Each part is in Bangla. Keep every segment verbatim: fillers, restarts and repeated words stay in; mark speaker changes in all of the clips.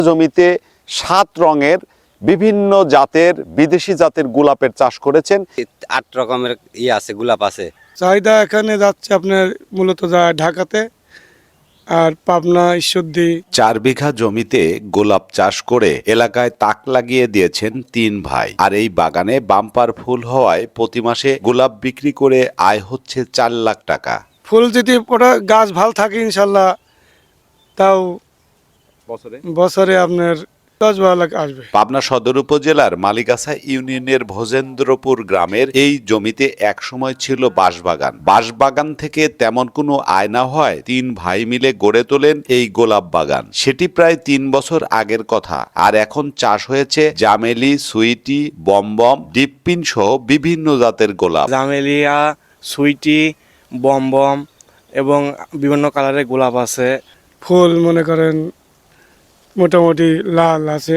Speaker 1: জমিতে সাত রঙের বিভিন্ন জাতের বিদেশি জাতের গোলাপের চাষ করেছেন।
Speaker 2: আট রকমের ইয়ে আছে, গোলাপ আছে।
Speaker 3: চাহিদা এখানে যাচ্ছে আপনার মূলত যায় ঢাকাতে আর পাবনা, ঈশ্বরদী।
Speaker 4: চার বিঘা জমিতে গোলাপ চাষ করে এলাকায় তাক লাগিয়ে দিয়েছেন তিন ভাই। আর এই বাগানে বাম্পার ফুল হওয়ায় প্রতি মাসে গোলাপ বিক্রি করে আয় হচ্ছে চার লাখ টাকা।
Speaker 3: ফুল যদি ওটা গাছ ভালো থাকে ইনশাল্লাহ তাও
Speaker 1: বছরে
Speaker 3: বছরে আপনার দশ বারো লাখ আসবে।
Speaker 4: পাবনা সদর উপজেলার মালিকাছা ইউনিয়নের ভোজেন্দ্রপুর গ্রামের এই জমিতে একসময় ছিল বাঁশবাগান। বাঁশবাগান থেকে তেমন কোনো আয় না হয় তিন ভাই মিলে গড়ে তোলেন এই গোলাপ বাগান। সেটি প্রায় তিন বছর আগের কথা। আর এখন চাষ হয়েছে জামেলি, সুইটি, বমবম, ডিপপিন সহ বিভিন্ন জাতের গোলাপ।
Speaker 5: জামেলিয়া, সুইটি, বমবম এবং বিভিন্ন কালারের গোলাপ আছে।
Speaker 3: ফুল মনে করেন মোটামুটি লাল আছে,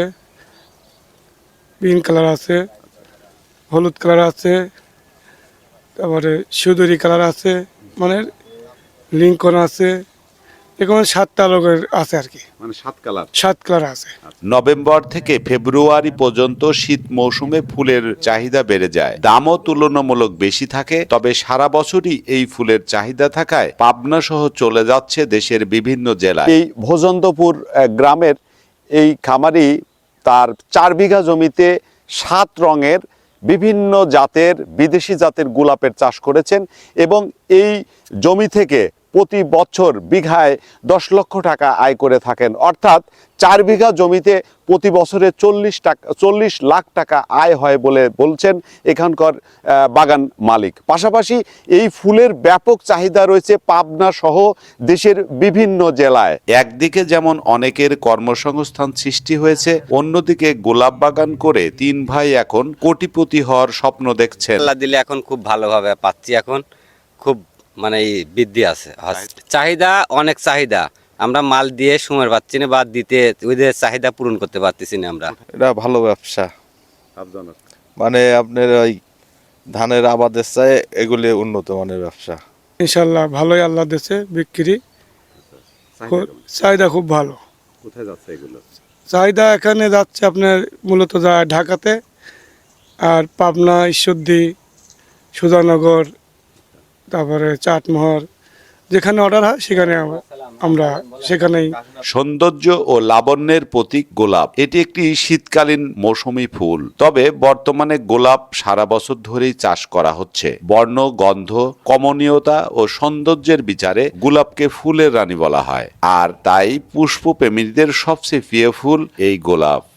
Speaker 3: পিঙ্ক কালার আছে, হলুদ কালার আছে, তারপরে সুদূরি কালার আছে, মানে লিঙ্কন আছে, এরকম সাতটা লোকের আছে আর কি,
Speaker 1: মানে সাত কালার
Speaker 3: সাত কালার আছে।
Speaker 4: নভেম্বর থেকে ফেব্রুয়ারি পর্যন্ত শীত মৌসুমে ফুলের চাহিদা বেড়ে যায়, দামও তুলনামূলক বেশি থাকে। তবে সারা বছরই এই ফুলের চাহিদা থাকায় পাবনা সহ চলে যাচ্ছে দেশের বিভিন্ন জেলায়।
Speaker 1: এই ভোজেন্দ্রপুর গ্রামের এই খামারি তার চার বিঘা জমিতে সাত রঙের বিভিন্ন জাতের বিদেশি জাতের গোলাপের চাষ করেছেন এবং এই জমি থেকে প্রতি বছর বিঘায় দশ লক্ষ টাকা আয় করে থাকেন। অর্থাৎ চার বিঘা জমিতে প্রতি বছরে চল্লিশ টাকা চল্লিশ লাখ টাকা আয় হয় বলে বলছেন এখানকার বাগান মালিক। পাশাপাশি এই ফুলের ব্যাপক চাহিদা রয়েছে পাবনা সহ দেশের বিভিন্ন জেলায়।
Speaker 4: একদিকে যেমন অনেকের কর্মসংস্থান সৃষ্টি হয়েছে, অন্যদিকে গোলাপ বাগান করে তিন ভাই এখন কোটিপতি হওয়ার স্বপ্ন দেখছেন।
Speaker 2: আল্লাহ দিলে এখন খুব ভালোভাবে পাচ্ছি, এখন খুব মানে বৃদ্ধি আছে। চাহিদা অনেক চাহিদা, আমরা মাল দিয়ে সময় পাচ্ছি না বা দিতে ওদের চাহিদা পূরণ করতে পারতেছি না আমরা।
Speaker 6: এটা ভালো ব্যবসা, মানে আপনার ওই ধানের আবাদের চাই এগুলি উন্নত মানের ব্যবসা।
Speaker 3: ইনশাল্লাহ ভালোই আল্লাহ দেশে বিক্রি, চাহিদা খুব ভালো।
Speaker 1: কোথায় যাচ্ছে এগুলো?
Speaker 3: চাহিদা এখানে যাচ্ছে আপনার মূলত যায় ঢাকাতে আর পাবনা, ঈশ্বরদী, সুধানগর, তারপরে চাটমোহর, যেখানে অর্ডার হয় সেখানে আমরা সেখানেই।
Speaker 4: সৌন্দর্য ও লাবণ্যের প্রতীক গোলাপ, এটি একটি শীতকালীন মৌসুমী ফুল। তবে বর্তমানে গোলাপ সারা বছর ধরেই চাষ করা হচ্ছে। বর্ণ, গন্ধ, কমনীয়তা ও সৌন্দর্যের বিচারে গোলাপকে ফুলের রানী বলা হয়। আর তাই পুষ্পপ্রেমীদের সবচেয়ে প্রিয় ফুল এই গোলাপ।